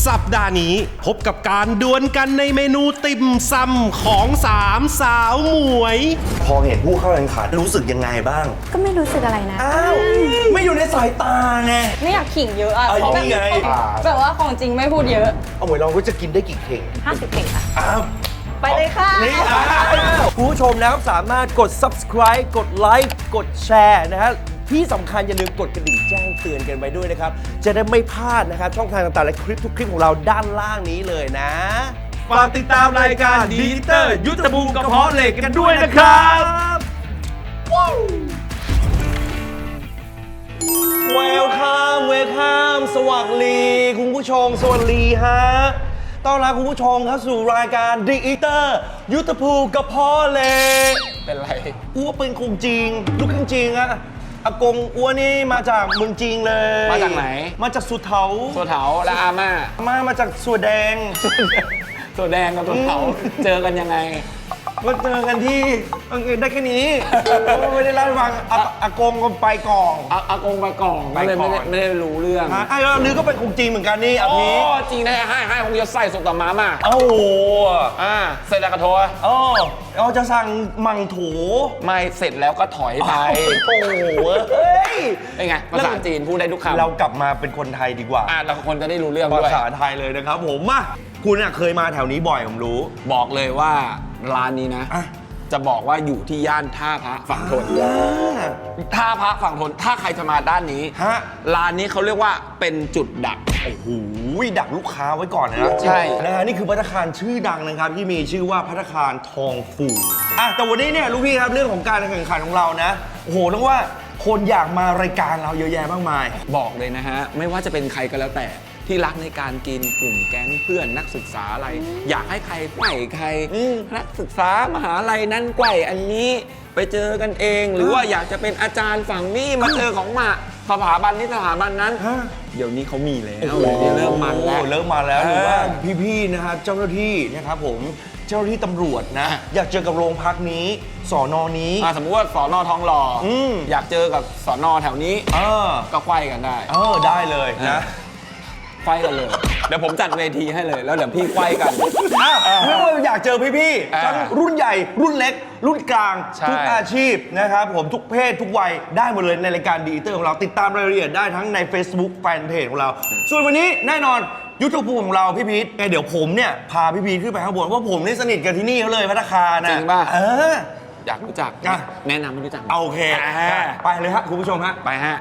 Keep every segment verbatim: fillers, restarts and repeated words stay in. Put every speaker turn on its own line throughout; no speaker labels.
สัปดาห์นี้พบกับการดวลกันในเมนูติ่มซำของสามสาวหมวย
พอเห็นผู้เข้าแข่งขันรู้สึกยังไงบ้าง
ก็ไม่รู้สึกอะไรนะ
อ้าวไม่อยู่ในสายตาไง
ไม่อยากขิงเยอะอะ
เพราะแบบ
แบบว่าของจริงไม่พูดเยอะ
เอาหมวยลองว่าจะกินได้กี่เข่ง
ห้าสิบเข่งค่ะ
อ้าว
ไปเลยค่ะ
นี่ผู้ชมนะครับสามารถกด ซับสไครบ์ กดไลค์กดแชร์นะฮะที่สำคัญอย่าลืมกดกระดิ่งแจ้งเตือนกันไปด้วยนะครับจะได้ไม่พลาดนะครับช่องทางต่างๆและคลิปทุกคลิปของเราด้านล่างนี้เลยนะ
ฝากติดตามรายการดีเตอร์ยุทธภูมิกระเพาะเหล็กกันด้วยนะครับ
เวลคัมเวลคัมสวัสดีคุณผู้ชมสวัสดีฮะต้อนรับคุณผู้ชมเข้าสู่รายการดีเตอร์ยุทธภูมิกระเพาะเหล็ก
เป็นไร
อ้วเป็นคงจริงลูกครึ่งจริงอะอากงอ้วนี่มาจากเมืองจีนเลย
มาจากไหน
มาจากสุเทา
สุเทาและอาม่า
อาม่ามาจากสัวแดง
สัวแดงกับสุเทาเจอกันยังไง
มาเจอกันที่ได้แค่นี้ไม่ได้เล่าให้ฟังอากงก็ไปกล่อง
อากงไปกล่องไม่ได้ไม่ได้รู้เรื่อง
ไอ้เรานึกก็เป็นคงจริงเหมือนกันนี่อภิ
จริงแน่ให้ให้คงจะใส่สุกกับม้ามา
โอ้โห
อ่าเสร็จแล้วก็โทร
อ๋อเราจะสั่งมังโถ
ไม่เสร็จแล้วก็ถอยไป
โอ้โหเฮ้ย
เป็นไงภาษาจีนพูดได้ทุกคำ
เรากลับมาเป็นคนไทยดีกว่า
อ่าเราคนจะได้รู้เรื่องด้วย
ภาษาไทยเลยนะครับผมมาคุณเคยมาแถวนี้บ่อยผมรู้
บอกเลยว่าร้านนี้นะจะบอกว่าอยู่ที่ย่านท่าพระฝั่งทนท่าพระฝั่งทนถ้าใครจะมาด้านนี้ร้านนี้เขาเรียกว่าเป็นจุดดัก
โอ้โหดักลูกค้าไว้ก่อนนะ
ใช่
นะฮะนี่คือภัตตาคารชื่อดังนะครับที่มีชื่อว่าภัตตาคารทองฟูอ่ะแต่วันนี้เนี่ยลูกพี่ครับเรื่องของการแข่งขันของเรานะโอ้โหต้องว่าคนอยากมารายการเราเยอะแยะมากมาย
บอกเลยนะฮะไม่ว่าจะเป็นใครก็แล้วแต่ที่รักในการกินกลุ่มแก๊งเพื่อนนักศึกษาอะไรอยากให้ใครไกว่ใครนักศึกษามหาลัยนั้นไกว่อันนี้ไปเจอกันเองหรือว่าอยากจะเป็นอาจารย์ฝั่งนี้มาเจอของมาสถาบันนี้สถาบันนั้นเดี๋ยวนี้เขามีแล้วเริ่มมาแล้ว
เริ่มมาแล้วหรือว่าพี่ๆนะครับเจ้าหน้าที่นะครับผมเจ้าหน้าที่ตำรวจนะอยากเจอกับโรงพักนี้สนนี้
สมมติว่าสนทองหล่ออยากเจอกับสนแถวนี้ก็ไขว้กันได้
เออได้เลยนะ
ไขว้กันเลยเดี๋ยวผมจัดเวทีให้เลยแล้วเดี๋ยวพี่ไขว้กัน
ไม่ว่าอยากเจอพี่ๆทั้งรุ่นใหญ่รุ่นเล็กรุ่นกลางทุกอาชีพนะครับผมทุกเพศทุกวัยได้หมดเลยในรายการดีเตอร์ของเราติดตามรายละเอียดได้ทั้งใน Facebook แฟนเพจของเราส่วนวันนี้แน่นอนยุทธภูมิของเราพี่พีทไงเดี๋ยวผมเนี่ยพาพี่พีทขึ้นไปข้างบนว่าผมนี่สนิทกันที่นี่เขาเลยภัตตาคารนะ
จริงป่ะ
เออ
อยากรู้จักแนะนำไม่รู้จัก
โอเคไปเลยฮะคุณผู้ชมฮะ
ไปฮะ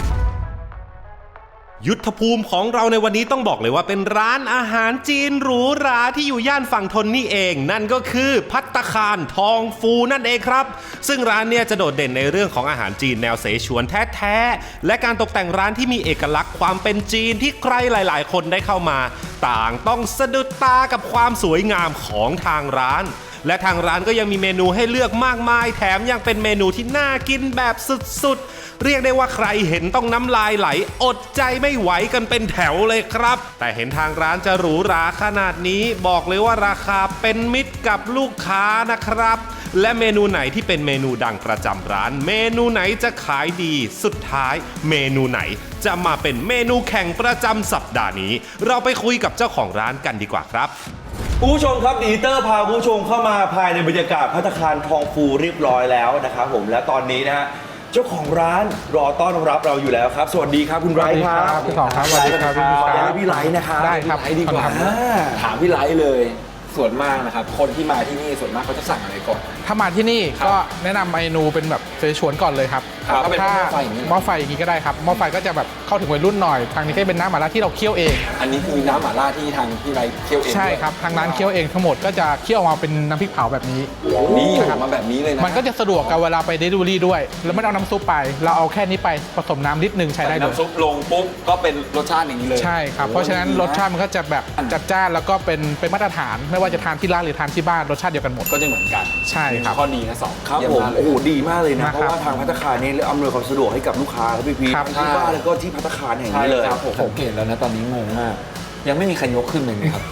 ยุทธภูมิของเราในวันนี้ต้องบอกเลยว่าเป็นร้านอาหารจีนหรูหราที่อยู่ย่านฝั่งทนนี่เองนั่นก็คือภัตตาคารทองฟูนั่นเองครับซึ่งร้านเนี่ยจะโดดเด่นในเรื่องของอาหารจีนแนวเสฉวนแท้ๆและการตกแต่งร้านที่มีเอกลักษณ์ความเป็นจีนที่ใครหลายๆคนได้เข้ามาต่างต้องสะดุดตากับความสวยงามของทางร้านและทางร้านก็ยังมีเมนูให้เลือกมากมายแถมยังเป็นเมนูที่น่ากินแบบสุดๆเรียกได้ว่าใครเห็นต้องน้ำลายไหลอดใจไม่ไหวกันเป็นแถวเลยครับแต่เห็นทางร้านจะหรูหราขนาดนี้บอกเลยว่าราคาเป็นมิตรกับลูกค้านะครับและเมนูไหนที่เป็นเมนูดังประจำร้านเมนูไหนจะขายดีสุดท้ายเมนูไหนจะมาเป็นเมนูแข่งประจำสัปดาห์นี้เราไปคุยกับเจ้าของร้านกันดีกว่าครับ
ผู้ชมครับดีเตอร์พาผู้ชมเข้ามาภายในบรรยากาศภัตตาคารทองฟูเรียบร้อยแล้วนะครับผมและตอนนี้นะฮะเจ้าของร้านรอต้อนรับเราอยู่แล้วครับสวัสดีครับคุณไรท์ครับ
พี่สองครับสวัสดีครับพี่
ขออนุญาตพี่ไรท์นะครับ
ได้ครับ
ดีกว่าถามพี่ไรท์เลยส่วนมากนะครับคนที่มาที่นี่ส่วนมากเขาจะสั่งอะไรก่อน
ถ้ามาที่นี่ก็แนะนำเมนูเป็นแบบเสฉวนก่อนเลยครับ
ถ้า
หม้อไฟอย่างนี้ก็ได้ครับหม้อไฟก็จะแบบเข้าถึงวัยรุ่นหน่อยทางนี้ก็เป็นน้ำหม่าล่าที่เราเคี่ยวเอง
อันนี้คือน้ำหม่าล่าที่ทางพี่ไรท์เคี่ยวเอง
ใช่ครับทางร้านเคี่ยวเองทั้งหมดก็จะเคี่ยวมาเป็นน้ำพริกเผาแบบนี้
นี่ทำมาแบบนี้เลยนะ
มันก็จะสะดวกกับเวลาไปเดลิเวอรี่ด้วยแล้วไม่เอาน้ำซุปไปเราเอาแค่นี้ไปผสมน้ำนิดนึงใช้ได้เลย
น้ำซุปลงปุ๊บก็เป็นรสชาติอย่างนี้เลย
ใช่ครับเพราะฉะนั้นรสชาติมันก็จะแบบจัดจ้านแล้วก็เป็นเป็นมาตรฐานไม่ว่าจะทานที่ร้านหรือทานที่บ้านรสชาติเดียวกันหมด
ก็จะเหมือนกัน
ใช่ครับ
ข้อดีนะสอง
ครับผมโอ้โหดีมากเลยนะเพราะว่าทางภัตตาคารนี้อำนวยความสะดวกให้กับลูกค้าครับพี่พีทที่บ้านแล้วก็ที่ภัตตาคารแห่งนี้เลย
ผมสังเกตแล้วนะตอนนี้งงมากยังไม่มีใครยกขึ้นเลยครับ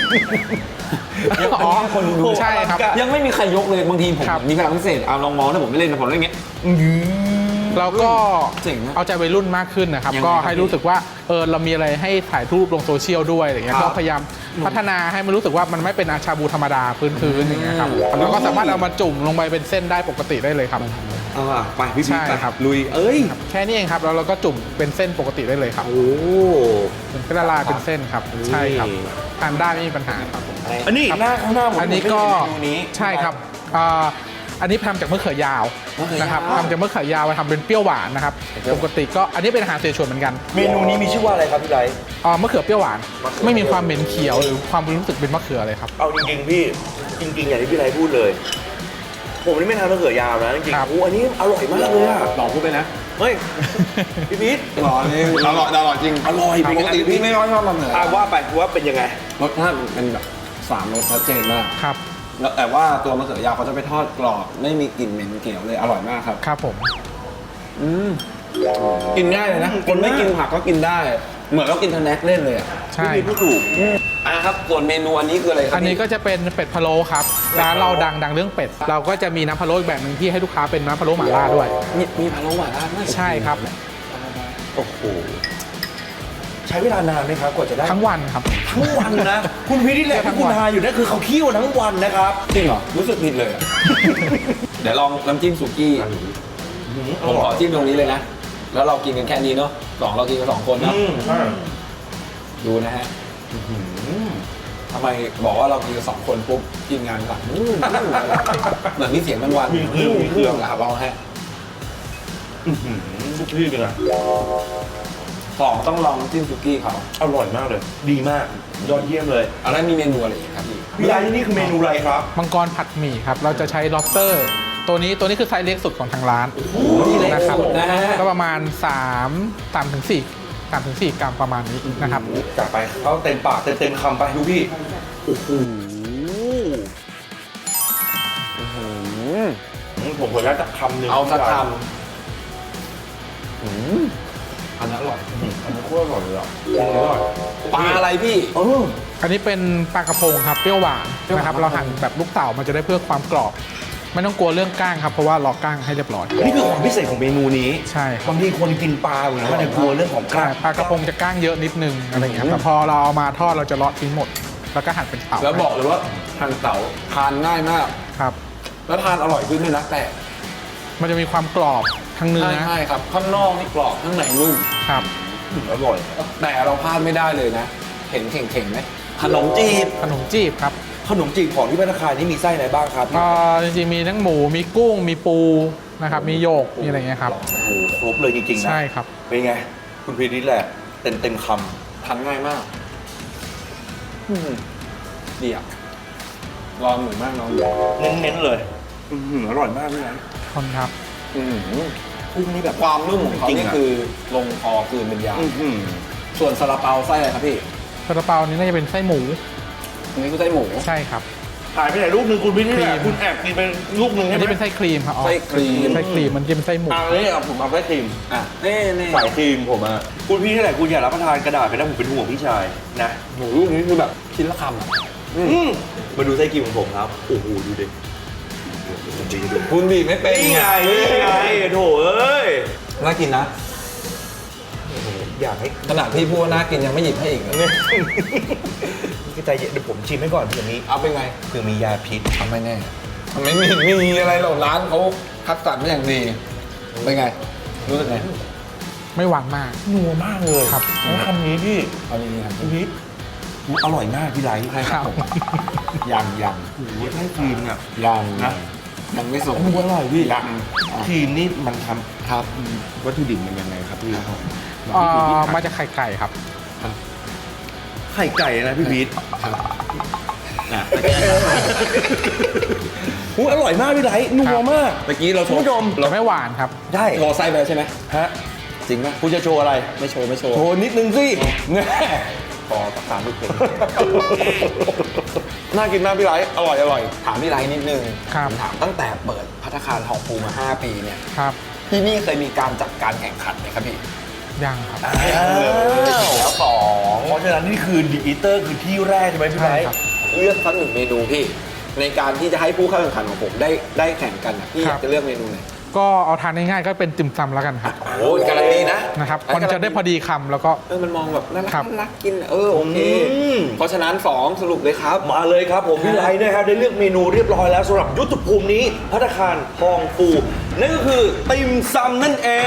อ๋อคนดูใช่ครับ
ยังไม่มีใครยกเลยบางทีผมมีพลังพิเศษเอาลองมองถ้าผมไม่เล่นนะผมเล่นอย่างเงี้ย
เราก็
เจ๋งนะ
เอาใจวัยรุ่นมากขึ้นนะครับ
ยังไง
ก็
ครับ
ให้รู้สึกว่าเออเรามีอะไรให้ถ่ายรูปลงโซเชียลด้วยอะไรเงี้ย
ครับ
ก็พยายามพัฒนาให้มันรู้สึกว่ามันไม่เป็นอาชาบูธรรมดาพื้นๆอย่างเงี้ยครับแล้วก็สามารถเอามาจุ่มลงไปเป็นเส้นได้ปกติได้เลยครับ
อ่าไปพี่พี
ใช่
ไป
ครับ
ลุยเอ้ย
แค่นี้เองครับแล้วเราก็จุ่มเป็นเส้นปกติได้เลยครับ
โอ้
มันก็ละลายเป็นเส้นครับใช่ครับทานได้ไม่มีปัญหาครับ
อันนี้หน้าข้างหน้าผม
อันนี้ก็
ผมไม่เห็นเมนูนี้
ใช่ครับอ่าอันนี้ทำจากมะเขือยาว
มะเขือยาว
นะครับทำจากมะเขือยาวมาทำเป็นเปรี้ยวหวานนะครับปกติก็อันนี้เป็นอาหารเสฉวนเหมือนกัน
เมนูนี้มีชื่อว่าอะไรครับพี่ไลท์
อ่ามะเขือเปรี้ยวหวาน
มะเขือ
ไม่มีความเหม็นเขียวหรือความรู้สึกเป็นมะเขือเลยครับ
เอาจริงๆพี่จริงๆอย่างที่พี่ไลท์พูดเลย ผมนี่ไม่ทานมะเขือยาวนะจริง
ครับ
ๆโอ้อันนี้อร่อยมากเลยอะ
ลองพูดไปนะ
เฮ้ยพี่พีท
หล่อนี่อร่อยอร่อยจริง
อร่อย
ปกติพี่ไม่ค่อยชอบมะเขือ
อ่ะว่าไปว่าเป็นยังไง
รสชาติมันเป็นแบบสามรสชัดเจนมาก
ครับ
แล้วแต่ว่าตัวมะเขือยาวเขาจะไปทอดกรอบไม่มีกลิ่นเหม็นเขียวเลยอร่อยมากครับ
ครับผม
อืมกินง่ายเลยนะ คนไม่กินผักก็กินได้ เหมือนเรากินทแน็กเล่นเลยอ่ะ
ใช่
พี่พีทพูดถูก
อ่ะครับส่วนเมนูอันนี้คืออะไรครับ
อันนี้ก็จะเป็นเป็ดพะโล้ครับร้านเราดังดังเรื่องเป็ด เราก็จะมีน้ำพะโล้อีกแบบหนึ่งที่ให้ลูกค้าเป็นน้ำพะโล้หม่าล่าด้วย
มีมีพะโล้หม่าล่าด้วย
ใช่ครับ
โอ้โหใช้เวลานานไหมครับกว่าจะได้
ทั้งวันครับ
ทั้งวันนะ คุณพีทนี่แหละ
ทั้
ที่
ง
คุณ
วัน
ทานอยู่นั่นคือเขาเคี่ยวทั้งวันนะครับ
จริงเหรอ รู้สึกผิดเลยอะ เดี๋ยวลองน้ำจิ้มสุกี้ ผมขอจิ้มตรงนี้เลยนะ แล้วเรากินกันแค่นี้เนาะสองเรากินกันสองคนเนาะ
อืมใช่
ดูนะฮะทำไมบอกว่าเรากินกันสองคนปุ๊บกินงานหลังเหมือนมีเสียงมันวัน
มีเครื่องมีเครื่อง
หลาบเอาฮะ
สุกี้เป็นไง
สองต้องลองน้ำจิ้มสุกี้เขา
อร่อยมากเลย ดีมาก ยอดเยี่ยมเลย
อันนั้นมีเมนูอะไรอีกครับพี่
พี่ไลท์ที่นี่คือเมนูอะไรครับ
มังกรผัดหมี่ครับ เราจะใช้ lobster ตัวนี้ตัวนี้คือไซส์เล็กสุดของทางร้าน
นี่เล็ก
นะครับ
สุดนะฮะ
ก็ประมาณ3 3ถึง4 3ถึง4กรัมประมาณนี้นะครับ
จัดไปเขาเต็มปากเต็มเต็มคำไปดูพี่ โอ้โหผมขออนุญาตสักคำหนึ่ง
เอาสักค
อืมอันนั้นอร่อยอันนี้โคตรอร่อยเลยอ่ะอร่อย
ำปลาอะไรพี่
เออ
อันนี้เป็นปลากระพงครับเปรี้ยวหวานนะครับ เราหั่นแบบลูกเต๋ามันจะได้เพื่อความกรอบ ไม่ต้องกลัวเรื่องก้างครับเพราะว่าล็อกก้างให้เรียบร้อย
นี่คือความพิเศษของเมนูนี้
ใช่ครับ
บางทีคนกินปลาอยู่นะมันจะกลัวเรื่องของก
ใช่
ล้าง
ปลากระพงจะก้างเยอะนิดนึงอะไรอย่างเงี้ยครับแต่พอเราเอามาทอดเราจะเลาะทิ้งหมด แล้วก็หั่นเป็นเต๋า
แล้วบอกเลยว่าทานเต๋าทานง่ายมาก
ครับ
แล้วทานอร่อยขึ้นด้วยนะแต่
มันจะมีความกรอบทั้งเนื้อ
ใช่ครับ ข้างนอกนี่กรอบข้างในนุ่ม
ครับ
อร่อย
แต่เราพลาดไม่ได้เลยนะ เห็นเข่งๆไหมขนมจีบ
ขนมจีบครับ
ขนมจีบของที่พัตตาคารนี่มีไส้อะไรบ้างครับ
ก็จริงๆมีทั้งหมูมีกุ้งมีปูนะครับมีโยกมีอะไรเงี้ยครับ
โอ้โหครบเลยจริงๆนะ
ใช่ครับ
เป็นไง คุณพีนิดแหละเต็มเต็มค
ทานง่ายมากอืมดีอ่ะรอหมูมากน้อง
ำเน้นๆเลยอื้อหืออร่อยมากเลยนะ
คนครับ
อืม
กุ้งนี่แบบ
ความนุ่มของเขา
จริง
นี่
ๆอะ
คือลงคอคืนเป็นยา
อื้อหือ
ส่วนซาลาเปาไส้อะไรครับพี่
ซาลาเปานี้น่าจะเป็นไส้หมู
อันนี้คือไส้หมู
ใช่ครับ
หายไปไหนลูกหนึ่งคุณพีนิดแหละ
ครีม
คุณแอบกินไปลูกหนึ่ง
อั
ใช่
น
ไหม
นี้เป็นไส้ครีมครับอ๋อ
ไส้ครีม
ไส้ครีมมันจะเป็นไส้หมู
อันนี้เอาผมเอาไส้ครีม
อ่ะนี่นี่
ใส่ครีมผมอ่ะคุณพี่นี่แหละคุณอย่ารับประทานกระดาษไปนะผมเป็นห่วงพี่ชายนะ
หมูลูกนี้คือแบบชิ้นละคำอ่ะ
อืมมาดูไส้ครีมของผมครับโอ้โหดูดิจริงดู
คุณบีบไม่เป็น
นี่ไงนี่ไงโถเอ้ย
น่ากินนะ
อยากให้
ขนาดพี่พูดว่าน่ากินยังไม่หยิบให้อีกเลย
พี่ใจเย็นเดี๋ยวผมชิมให้ก่อนเผื่อมี
เอาเป็นไง
เผื่อมียาพิษ
ทำไม่แน่ทำไม่มีมีอะไรหรอกร้านเขาคัดสรรมาอย่างดีเป็นไง รู้สึกไง
ไม่หวานมาก
นัวมากเลย
ครับ
แล้วคำนี้พี่
เอาดีๆครับ
พี่พีทอร่อยมากพี่ไลท์
ใช่ครับผมยังยัง
โอ้โหไส้ครีมเนี่ย
ยัง
นะ
ยังไม่สุก
มันอร่อยพี่
ยัง
ครีมนี่มันท
ครับ
ำวัตถุดิบมันยังไงครับพี่
เอ่อมาจากไข่ไก่ครับ
ไข่ไก่นะพี่พีทนะหูอร่อยมากพี่ไลท์นัวมาก
เมื่อกี้เราโช
คุณ
ว์
ผู้ชม
จะไม่หวานครับ
ได้
โชว์ไส้ไปแล้วใช่ไหม
ฮะ
จริงป่ะ
คุณจะโชว์อะไร
ไม่โชว์ไม่โชว์
โชว์นิดนึงสิแน่
พอประทานลูกเป็น
น่ากินมากพี่ไลท์อร่อยอร่อย
ถามพี่ไลท์นิดนึง
ครับ
ถามตั้งแต่เปิดภัตตาคารทองฟูมาห้าปีเนี่ย
ครับ
ที่นี่เคยมีการจัดการแข่งขันไหมครับพี่
ยังครับ
อ้าว
แล้วสอง
เพราะฉะนั้นนี่คือดีอีเตอร์คือที่แรกใช่ไหมพี่ไล
ใช่
ท์
ครับ
เลือกสักหนึ่งเมนูพี่ ในการที่จะให้ผู้เข้าแข่งขันของผมได้ได้แข่งกันอะพี่อยากจะเลือกเมนูไหน
ก็เอาทานง่ายๆก็เป็นติ่มซำแล้วกันครับ
โอ้ยกำลังดีนะ
นะครับมันจะได้พอดีคำแล้วก็
เออมันมองแบบน่ารัก
ครับ
น่ารักกินเออโอเค
อืม
เพราะฉะนั้นสองสรุปเลยครับ
มาเลยครับผมพี่ไลท์นะครับได้เลือกเมนูเรียบร้อยแล้วสำหรับยุทธภูมินี้ภัตตาคารทองฟูนั่นก็คือติ่มซำนั่นเอง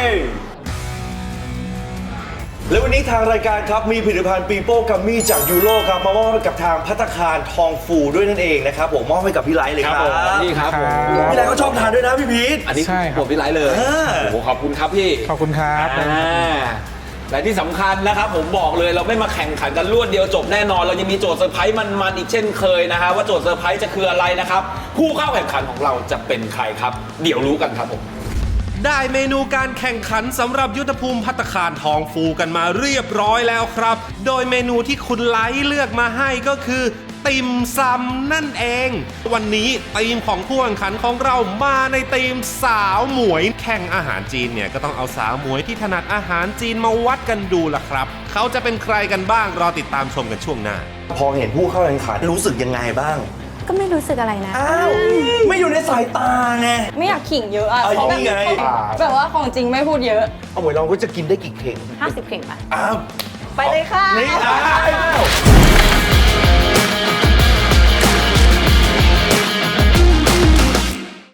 และวันนี้ทางรายการครับมีผลิตภัณฑ์ปีโป้กัมมี่จากยูโรครับมามอบให้กับทางภัตตาคารทองฟูด้วยนั่นเองนะครับผมมอบให้กับพี่ไลท์เลยครับ
นี่ครับผม
พี่ไลท์ก็ชอบทานด้วยนะพี่พีท
อันนี้
ใช่ครับ
ผมพี่ไลท์เลย
อ่า
โอ้โหขอบคุณครับพี่
ขอบคุณครับ
อ่าและที่สำคัญนะครับผมบอกเลยเราไม่มาแข่งขันกันรวดเดียวจบแน่นอน เรายังมีโจทย์เซอร์ไพรส์มันๆอีกเช่นเคยนะฮะว่าโจทย์เซอร์ไพรส์จะคืออะไรนะครับผู้เข้าแข่งขันของเราจะเป็นใครครับ เดี๋ยวรู้กันครับผม
ได้เมนูการแข่งขันสำหรับยุทธภูมิภัตตาคารทองฟูกันมาเรียบร้อยแล้วครับ โดยเมนูที่คุณไลท์เลือกมาให้ก็คือติ่มซำนั่นเอง วันนี้ทีมของผู้แข่งขันของเรามาในทีมสาวหมวยแข่งอาหารจีนเนี่ยก็ต้องเอาสาวหมวยที่ถนัดอาหารจีนมาวัดกันดูล่ะครับ เขาจะเป็นใครกันบ้างรอติดตามชมกันช่วงหน้า
พอเห็นผู้เข้าแข่งขันรู้สึกยังไงบ้าง
ก็ไม่รู้สึกอะไรนะ
อ้าวไม่อยู่ในสายตาไง
ไม่อยากขิงเยอะอ่ะ
เอา
เพราะแบบ
นี่ไง
แบบว่าของจริงไม่พูดเยอะ
เอาหมวยเราก็จะกินได้กี่เข่ง
ห้าสิบเข่งป่ะ
อ้าว
ไปเลยค่ะ
นี่อ้าว